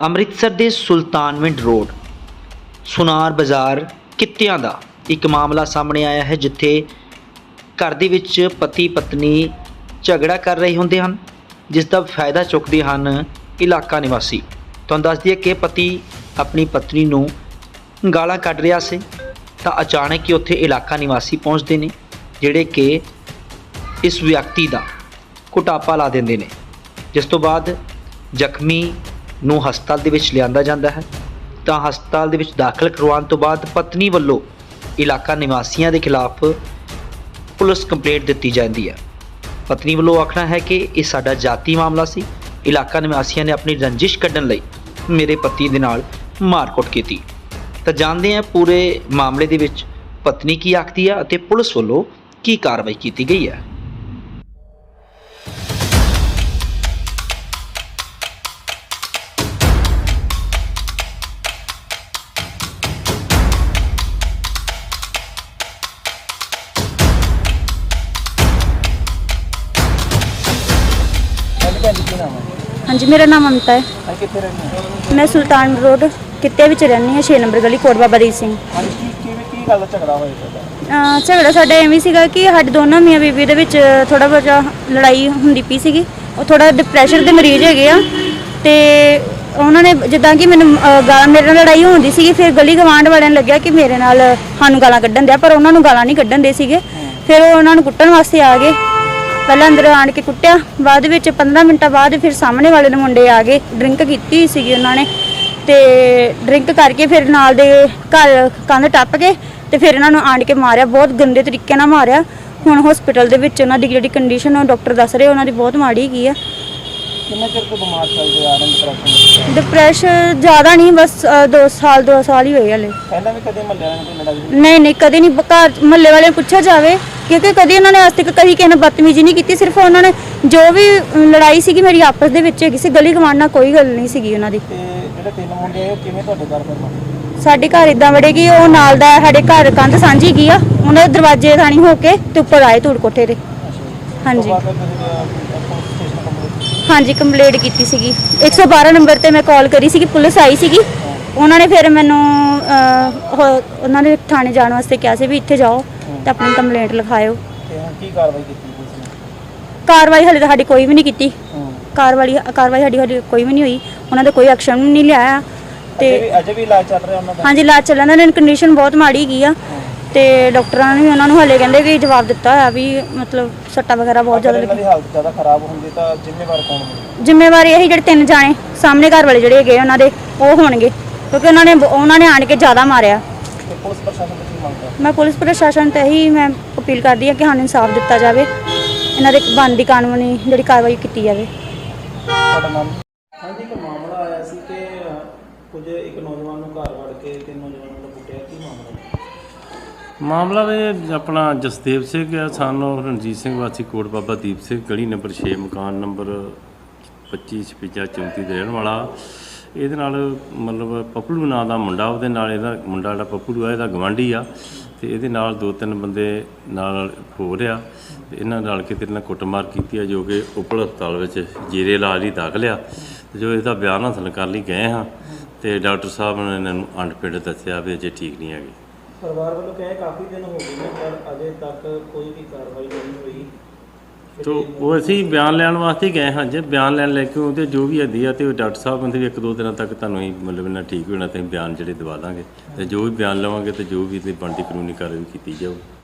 ਅੰਮ੍ਰਿਤਸਰ ਦੇ ਸੁਲਤਾਨਵਿੰਡ ਰੋਡ ਸੁਨਾਰ ਬਾਜ਼ਾਰ ਕਿੱਤਿਆਂ ਦਾ ਇੱਕ ਮਾਮਲਾ ਸਾਹਮਣੇ ਆਇਆ ਹੈ, ਜਿੱਥੇ ਘਰ ਦੇ ਵਿੱਚ ਪਤੀ ਪਤਨੀ ਝਗੜਾ ਕਰ ਰਹੇ ਹੁੰਦੇ ਹਨ, ਜਿਸ ਦਾ ਫਾਇਦਾ ਚੁੱਕਦੇ ਹਨ ਇਲਾਕਾ ਨਿਵਾਸੀ। ਤੁਹਾਨੂੰ ਦੱਸ ਦਈਏ ਕਿ ਪਤੀ ਆਪਣੀ ਪਤਨੀ ਨੂੰ ਗਾਲਾਂ ਕੱਢ ਰਿਹਾ ਸੀ ਤਾਂ ਅਚਾਨਕ ਹੀ ਉੱਥੇ ਇਲਾਕਾ ਨਿਵਾਸੀ ਪਹੁੰਚਦੇ ਨੇ, ਜਿਹੜੇ ਕਿ ਇਸ ਵਿਅਕਤੀ ਦਾ ਕੁਟਾਪਾ ਲਾ ਦਿੰਦੇ ਨੇ, ਜਿਸ ਤੋਂ ਬਾਅਦ ਜ਼ਖਮੀ ਨੂੰ ਹਸਪਤਾਲ ਦੇ ਵਿੱਚ ਲਿਆਂਦਾ ਜਾਂਦਾ ਹੈ। ਤਾਂ ਹਸਪਤਾਲ ਦੇ ਵਿੱਚ ਦਾਖਲ ਕਰਵਾਉਣ ਤੋਂ ਬਾਅਦ ਪਤਨੀ ਵੱਲੋਂ ਇਲਾਕਾ ਨਿਵਾਸੀਆਂ ਦੇ ਖਿਲਾਫ ਪੁਲਿਸ ਕੰਪਲੇਂਟ ਦਿੱਤੀ ਜਾਂਦੀ ਹੈ। ਪਤਨੀ ਵੱਲੋਂ ਆਖਣਾ ਹੈ ਕਿ ਇਹ ਸਾਡਾ ਜਾਤੀ ਮਾਮਲਾ ਸੀ, ਇਲਾਕਾ ਨਿਵਾਸੀਆਂ ਨੇ ਆਪਣੀ ਰੰਜਿਸ਼ ਕੱਢਣ ਲਈ ਮੇਰੇ ਪਤੀ ਦੇ ਨਾਲ ਮਾਰਕੁੱਟ ਕੀਤੀ। ਤਾਂ ਜਾਣਦੇ ਹਾਂ ਪੂਰੇ ਮਾਮਲੇ ਦੇ ਵਿੱਚ ਪਤਨੀ ਕੀ ਆਖਦੀ ਹੈ ਅਤੇ ਪੁਲਿਸ ਵੱਲੋਂ ਕੀ ਕਾਰਵਾਈ ਕੀਤੀ ਗਈ ਹੈ। हाँ जी, मेरा नाम ममता है। कितने रहने हैं? मैं सुल्तान रोड कित्ते विच रहनी है, 6 नंबर गली, कोट बाबा रीत सिंह। हाँ जी, की गल झगड़ा होया ਤੁਹਾਡਾ? ਝਗੜਾ ਸਾਡਾ ਐਵੇਂ ਸੀਗਾ ਕਿ ਸਾਡੇ ਦੋਨਾਂ ਮੀਆਂ ਬੀਬੀ ਦੇ ਵਿੱਚ ਥੋੜਾ ਬਹੁਤਾ ਲੜਾਈ ਹੁੰਦੀ ਪਈ ਸੀਗੀ। ਉਹ ਥੋੜਾ ਡਿਪਰੈਸ਼ਨ ਦੇ ਮਰੀਜ਼ ਹੈਗੇ ਆ, ਤੇ ਉਹਨਾਂ ਨੇ ਜਿੱਦਾਂ ਕਿ ਮੈਨੂੰ ਮੇਰੇ ਨਾਲ ਲੜਾਈ ਹੁੰਦੀ ਸੀਗੀ। ਫਿਰ ਗਲੀ ਗਵਾਂਢ ਵਾਲਿਆਂ ਨੂੰ ਲੱਗਿਆ ਕਿ ਮੇਰੇ ਨਾਲ ਸਾਨੂੰ ਗਾਲਾਂ ਕੱਢਣ ਦਿਆ, ਪਰ ਉਹਨਾਂ ਨੂੰ ਗਾਲਾਂ ਨਹੀਂ ਕੱਢਣ ਦੇ ਸੀਗੇ। ਫਿਰ ਉਹ ਉਹਨਾਂ ਨੂੰ ਕੁੱਟਣ ਵਾਸਤੇ ਆ ਗਏ। ਪਹਿਲਾਂ ਅੰਦਰ ਆਣ ਕੇ ਕੁੱਟਿਆ, ਬਾਅਦ ਵਿੱਚ 15 ਮਿੰਟਾਂ ਬਾਅਦ ਫਿਰ ਸਾਹਮਣੇ ਵਾਲੇ ਦੇ ਮੁੰਡੇ ਆ ਗਏ। ਡਰਿੰਕ ਕੀਤੀ ਹੋਈ ਸੀਗੀ ਉਹਨਾਂ ਨੇ, ਤੇ ਡਰਿੰਕ ਕਰਕੇ ਫਿਰ ਨਾਲ ਦੇ ਘਰ ਕੰਧ ਟੱਪ ਕੇ ਤੇ ਫਿਰ ਇਹਨਾਂ ਨੂੰ ਆਣ ਕੇ ਮਾਰਿਆ, ਬਹੁਤ ਗੰਦੇ ਤਰੀਕੇ ਨਾਲ ਮਾਰਿਆ। ਹੁਣ ਹਸਪੀਟਲ ਦੇ ਵਿੱਚ ਉਹਨਾਂ ਦੀ ਜਿਹੜੀ ਕੰਡੀਸ਼ਨ ਉਹ ਡਾਕਟਰ ਦੱਸ ਰਹੇ ਉਹਨਾਂ ਦੀ ਬਹੁਤ ਮਾੜੀ ਹੈਗੀ ਆ। ਕਿੰਨੇ ਚਿਰ ਤੋਂ ਬਿਮਾਰ ਚੱਲਦੇ ਆ ਰਹੇ ਡਿਪਰੈਸ਼ਨ? ਡਿਪਰੈਸ਼ਨ ਜ਼ਿਆਦਾ ਨਹੀਂ, ਬਸ 2 ਸਾਲ ਹੀ ਹੋਏ ਹਲੇ। ਪਹਿਲਾਂ ਵੀ ਕਦੇ ਮੱਲੇ ਵਾਲਿਆਂ ਨਾਲ ਕੋਈ ਲੜਾਈ? ਨਹੀਂ, ਕਦੇ ਨਹੀਂ। ਘਰ ਮਹੱਲੇ ਵਾਲਿਆਂ ਨੂੰ ਪੁੱਛਿਆ ਜਾਵੇ, ਕਿਉਂਕਿ ਕਦੇ ਉਹਨਾਂ ਨੇ ਅੱਜ ਤੱਕ ਕਦੀ ਕਿਸੇ ਨਾਲ ਬਦਤਮੀਜ਼ੀ ਨਹੀਂ ਕੀਤੀ। ਸਿਰਫ ਉਹਨਾਂ ਨੇ ਜੋ ਵੀ ਲੜਾਈ ਸੀਗੀ ਮੇਰੀ ਆਪਸ ਦੇ ਵਿੱਚ ਹੈਗੀ ਸੀ, ਗਲੀ ਗਵਾਂਢ ਨਾਲ ਕੋਈ ਗੱਲ ਨਹੀਂ ਸੀਗੀ ਉਹਨਾਂ ਦੀ। ਤੇ ਜਿਹੜੇ 3 ਮੁੰਡੇ ਆਏ ਉਹ ਕਿਵੇਂ ਤੁਹਾਡੇ ਘਰ ਫਿਰ? ਸਾਡੇ ਘਰ ਇਦਾਂ ਵੜੇ ਕਿ ਉਹ ਨਾਲ ਦਾ ਸਾਡੇ ਘਰ ਕੰਧ ਸਾਂਝੀ ਗਈ ਆ, ਉਹਨਾਂ ਦੇ ਦਰਵਾਜ਼ੇ ਥਾਣੀ ਹੋ ਕੇ ਤੇ ਉੱਪਰ ਆਏ ਧੂੜ ਕੋਠੇ ਤੇ। ਹਾਂਜੀ ਹਾਂਜੀ, ਕੰਪਲੇਂਟ ਕੀਤੀ ਸੀਗੀ 112 ਨੰਬਰ ਤੇ। ਮੈਂ ਕਾਲ ਕਰੀ ਸੀਗੀ, ਪੁਲਿਸ ਆਈ ਸੀਗੀ। ਉਹਨਾਂ ਨੇ ਫਿਰ ਮੈਨੂੰ ਉਹਨਾਂ ਨੇ ਥਾਣੇ ਜਾਣ ਵਾਸਤੇ ਕਿਹਾ ਸੀ ਵੀ ਇੱਥੇ ਜਾਓ ਤੇ ਆਪਣੀ ਕੰਪਲੇਂਟ ਲਿਖਾਇਓ। ਤੇ ਹੁਣ ਕੀ ਕਾਰਵਾਈ ਕੀਤੀ ਪੁਲਿਸ ਨੇ? ਕਾਰਵਾਈ ਹਲੇ ਤਾਂ ਸਾਡੀ ਕੋਈ ਵੀ ਨਹੀਂ ਕੀਤੀ। ਕਾਰਵਾਈ ਸਾਡੀ ਕੋਈ ਵੀ ਨਹੀਂ ਹੋਈ। ਉਹਨਾਂ ਦਾ ਕੋਈ ਐਕਸ਼ਨ ਨਹੀਂ ਲਿਆ। ਤੇ ਅਜੇ ਵੀ ਇਲਾਜ ਚੱਲ ਰਿਹਾ ਉਹਨਾਂ ਦਾ? ਹਾਂਜੀ, ਇਲਾਜ ਚੱਲਣ ਦਾ। ਕੰਡੀਸ਼ਨ ਬਹੁਤ ਮਾੜੀ ਹੈਗੀ ਆ, ਤੇ ਡਾਕਟਰਾਂ ਨੇ ਵੀ ਉਹਨਾਂ ਨੂੰ ਹਲੇ ਕਹਿੰਦੇ ਕਿ ਜਵਾਬ ਦਿੱਤਾ ਹੋਇਆ ਵੀ ਮਤਲਬ ਸੱਟਾਂ ਵਗੈਰਾ ਬਹੁਤ ਜ਼ਿਆਦਾ ਇਹਨਾਂ ਦੀ ਹਾਲਤ ਜ਼ਿਆਦਾ ਖਰਾਬ ਹੁੰਦੀ ਤਾਂ ਜ਼ਿੰਮੇਵਾਰ ਕੌਣ ਹੋਵੇ? ਜ਼ਿੰਮੇਵਾਰੀ ਇਹੀ ਜਿਹੜੇ 3 ਜਾਣੇ ਸਾਹਮਣੇ ਘਰ ਵਾਲੇ ਜਿਹੜੇ ਹੈਗੇ ਉਹਨਾਂ ਦੇ ਉਹ ਹੋਣਗੇ, ਕਿਉਂਕਿ ਉਹਨਾਂ ਨੇ ਆਣ ਕੇ ਜ਼ਿਆਦਾ ਮਾਰਿਆ। ਤੇ ਪੁਲਿਸ ਪ੍ਰਸ਼ਾਸਨ ਤੋਂ ਕੀ ਮੰਗਦਾ? ਮੈਂ ਪੁਲਿਸ ਪ੍ਰਸ਼ਾਸਨ ਤੇ ਇਹੀ ਮੈਂ ਅਪੀਲ ਕਰਦੀ ਹਾਂ ਕਿ ਸਾਨੂੰ ਇਨਸਾਫ ਦਿੱਤਾ ਜਾਵੇ, ਇਹਨਾਂ ਦੇ ਬਣਦੀ ਕਾਨੂੰਨੀ ਜਿਹੜੀ ਕਾਰਵਾਈ ਕੀਤੀ ਜਾਵੇ। ਤੁਹਾਡਾ ਨਾਮ? ਹਾਂਜੀ, ਇੱਕ ਮਾਮਲਾ ਆਇਆ ਸੀ ਕਿ ਕੁਝ ਇੱਕ ਨੌਜਵਾਨ ਨੂੰ ਘਰ ਵੜ ਕੇ 3 ਨੌਜਵਾਨਾਂ ਨੂੰ ਕੁੱਟਿਆ, ਕੀ ਮਾਮਲਾ? ਮਾਮਲਾ ਆਪਣਾ ਜਸਦੇਵ ਸਿੰਘ ਆ, ਸਾਨੂੰ ਰਣਜੀਤ ਸਿੰਘ ਵਾਸੀ ਕੋਟ ਬਾਬਾ ਦੀਪ ਸਿੰਘ, ਗਲੀ ਨੰਬਰ 6, ਮਕਾਨ ਨੰਬਰ 25 56 34 ਦੇ ਰਹਿਣ ਵਾਲਾ। ਇਹਦੇ ਨਾਲ ਮਤਲਬ ਪੱਪਲੂ ਨਾਂ ਦਾ ਮੁੰਡਾ, ਉਹਦੇ ਨਾਲ ਇਹਦਾ ਮੁੰਡਾ ਜਿਹੜਾ ਪੱਪਲੂ ਆ ਇਹਦਾ ਗਵਾਂਢੀ ਆ, ਤੇ ਇਹਦੇ ਨਾਲ 2-3 ਬੰਦੇ ਨਾਲ ਹੋ ਰਿਹਾ, ਤੇ ਇਹਨਾਂ ਨਾਲ ਕਿਤੇ ਨਾਲ ਕੁੱਟਮਾਰ ਕੀਤੀ ਆ, ਜੋ ਕਿ ਉਪਲ ਹਸਪਤਾਲ ਵਿੱਚ ਜੀਰੇ ਇਲਾਜ ਲਈ ਦਾਖਲ ਆ। ਤੇ ਜੋ ਇਹਦਾ ਬਿਆਨ ਹਾਸਲ ਕਰਨ ਲਈ ਗਏ ਹਾਂ, ਤੇ ਡਾਕਟਰ ਸਾਹਿਬ ਨੇ ਇਹਨਾਂ ਨੂੰ ਅੰਡਪਿੰਡ ਦੱਸਿਆ ਵੀ ਅਜੇ ਠੀਕ ਨਹੀਂ ਹੈਗੇ। ਪਰਿਵਾਰ ਵੱਲੋਂ ਕਹੇ ਕਾਫੀ ਦਿਨ ਹੋ ਗਏ ਨੇ ਪਰ ਅਜੇ ਤੱਕ ਕੋਈ ਵੀ ਕਾਰਵਾਈ ਨਹੀਂ ਹੋਈ। ਤੋ ਉਹ ਅਸੀਂ ਬਿਆਨ ਲੈਣ ਵਾਸਤੇ ਗਏ ਹਾਂ। ਜੇ ਬਿਆਨ ਲੈਣ ਲੈ ਕੇ ਉਹਦੇ ਜੋ ਵੀ ਹੁੰਦੀ ਆ, ਤੇ ਡਾਕਟਰ ਸਾਹਿਬ ਕਹਿੰਦੇ ਵੀ 1-2 ਦਿਨਾਂ ਤੱਕ ਤੁਹਾਨੂੰ ਹੀ ਮਤਲਬ ਇਹਨਾਂ ਠੀਕ ਹੋਣਾ, ਤੇ ਬਿਆਨ ਜਿਹੜੇ ਦਵਾ ਦਾਂਗੇ, ਤੇ ਜੋ ਵੀ ਬਿਆਨ ਲਵਾਂਗੇ ਤੇ ਜੋ ਵੀ ਇਹਦੀ ਬਣਦੀ ਕਾਨੂੰਨੀ ਕਾਰਵਾਈ ਕੀਤੀ ਜਾਊ।